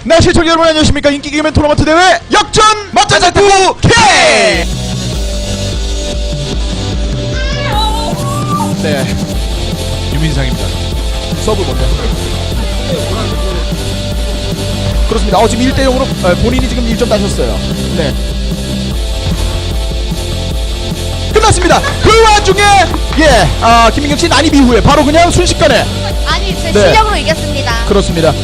네, 시청자 여러분 안녕하십니까. 인기 개그맨 토너먼트 대회 역전 멋진 탁구 K. 네, 유민상입니다. 서브 뭔데? 그렇습니다. 지금 1대0으로 본인이 지금 1점 따셨어요. 네, 끝났습니다. 그 와중에 김민경씨 난입 이후에 바로 그냥 순식간에 아니 제 네. 실력으로 이겼습니다. 그렇습니다.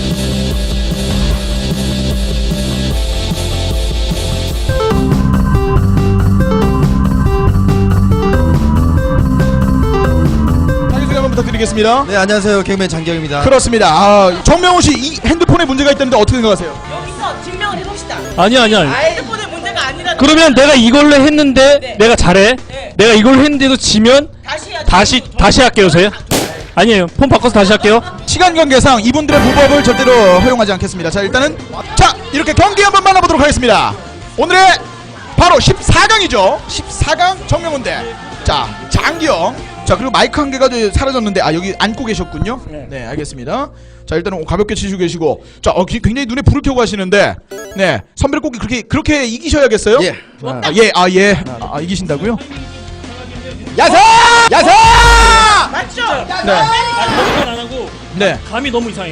자기소개 한번 부탁드리겠습니다. 네, 안녕하세요. 개그맨 장기영입니다. 그렇습니다. 정명훈 씨, 이 핸드폰에 문제가 있다는데 어떻게 생각하세요? 여기서 증명을 해봅시다. 아니야. 핸드폰에 문제가 아니라. 그러면 내가 이걸로 했는데 네. 내가 잘해. 네. 내가 이걸로 했는데도 지면 다시 해야지. 다시 할게요, 저요. 아니에요. 폰 바꿔서 다시 할게요. 시간 관계상 이분들의 무법을 절대로 허용하지 않겠습니다. 자, 일단은 이렇게 경기 한번 만나보도록 하겠습니다. 오늘의 바로 14강이죠. 14강 정명훈 대 장기영. 자, 그리고 마이크 한 개가 사라졌는데 여기 앉고 계셨군요. 네, 알겠습니다. 자, 일단은 가볍게 치시고 계시고, 굉장히 눈에 불을 켜고 하시는데, 네, 선배를 꼭 그렇게 이기셔야겠어요. 예. 이기신다고요? 야사! 맞죠? 네. 거짓말 안 하고 네. 감이 너무 이상해.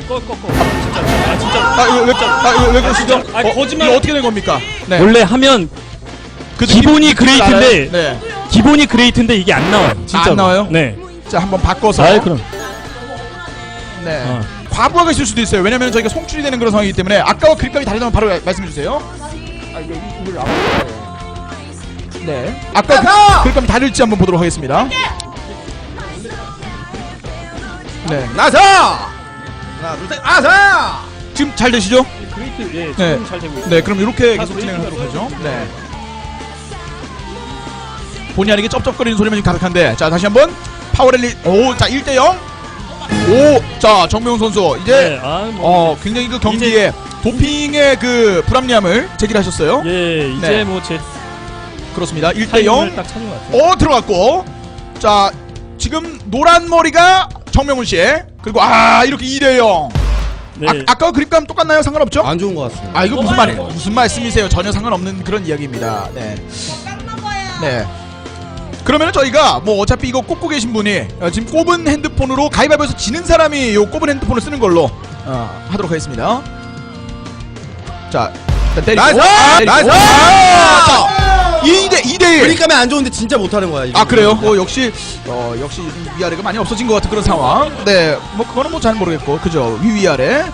진짜. 왜 그러시죠? 거짓말. 이거 어떻게 된 겁니까? 네. 원래 하면 그 기본이 느낌 그레이트인데 알아요? 네. 기본이 그레이트인데 이게 안 나와요. 진짜 안 나와요? 네. 자, 한번 바꿔서. 그럼. 네. 과부하가 있을 수도 있어요. 왜냐면 저희가 송출이 되는 그런 상황이기 때문에 아까와 그립감이 다르다면 바로 말씀해 주세요. 네. 아까 그립감이 다를지 한번 보도록 하겠습니다. 네. 나사! 하나, 둘, 셋, 아사! 지금 잘 되시죠? 그레이트 지금 네. 잘 되고 있어요. 네. 그럼 이렇게 다 계속 진행하도록 그레이트라서. 하죠. 네. 본의 아니게 쩝쩝거리는 소리만 지금 가득한데, 자, 다시 한번 파워랠리. 자, 1대0. 자, 정명훈 선수 이제 네. 굉장히 그 경기에 도핑의 그 불합리함을 제기하셨어요. 예, 이제 네. 뭐제 그렇습니다. 타이밍을 1대0. 딱 찾은 것 같아요. 들어갔고, 자, 지금 노란 머리가 정명훈 씨, 그리고 이렇게 2대0. 네. 아까 그립감 똑같나요? 상관없죠? 안 좋은 것 같습니다. 이거 무슨 말이에요? 무슨 말씀이세요? 전혀 상관없는 그런 이야기입니다. 네. 네. 그러면은 저희가 뭐 어차피 이거 꼽고 계신 분이 지금 꼽은 핸드폰으로 가위바위보에서 지는 사람이 요 꼽은 핸드폰을 쓰는 걸로 하도록 하겠습니다. 자, 일단 때리고. 나이스! 자, 2대1. 그러니까 안 좋은데 진짜 못하는 거야. 이거. 그래요? 역시 위아래가 많이 없어진 것 같은 그런 상황. 네, 뭐 그거는 뭐 잘 모르겠고, 그죠? 위아래.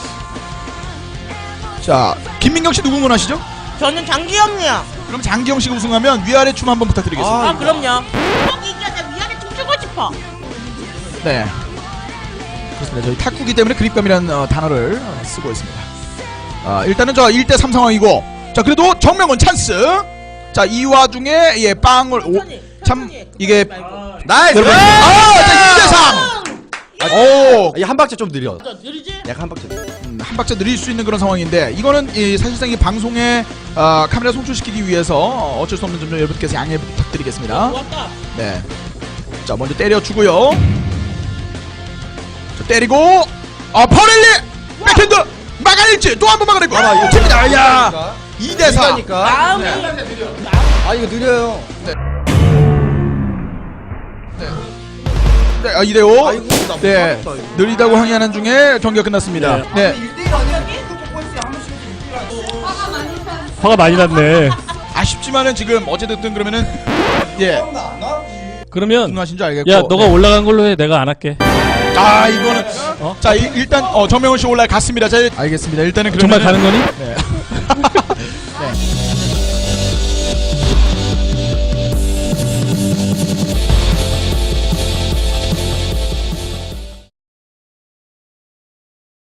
자, 김민경 씨 누구 응원하시죠? 저는 장기영이요. 그럼 장기영 씨가 우승하면 위아래 춤 한번 부탁드리겠습니다. 그럼요. 꼭 이겨야 위아래 춤추고 싶어. 네. 그렇습니다. 저희 탁구기 때문에 그립감이라는 단어를 쓰고 있습니다. 일단은 저 1대3 상황이고, 자, 그래도 정명훈 찬스. 자, 이 와중에 빵을 참 이게 나이스! 자, 2대3. 이 한 박자 좀 느려. 느리지? 약간 한 박자. 한 박자 느릴 수 있는 그런 상황인데, 이거는 사실상 이 방송에 카메라 송출시키기 위해서 어쩔 수 없는 점 여러분께서 양해 부탁드리겠습니다. 왔다. 네. 자, 먼저 때려주고요. 자, 때리고 파울렐리 백핸드 막아낼지 또 한 번 막아내고 이거 칩니다. 야, 2대4. 마음이. 이거 느려요. 네, 2대5. 아이고, 나 네, 못 봤다, 이거. 느리다고 항의하는 중에 경기가 끝났습니다. 네. 화가 많이 났네. 아쉽지만은 지금 어쨌든 그러면은 그러면 분노하신 줄 알겠고. 야, 너가 올라간 걸로 해. 내가 안 할게. 이거는 자, 일단 정명훈 씨 올라갔습니다. 자, 알겠습니다. 일단은 정말 그러면은- 가는 거니? 네.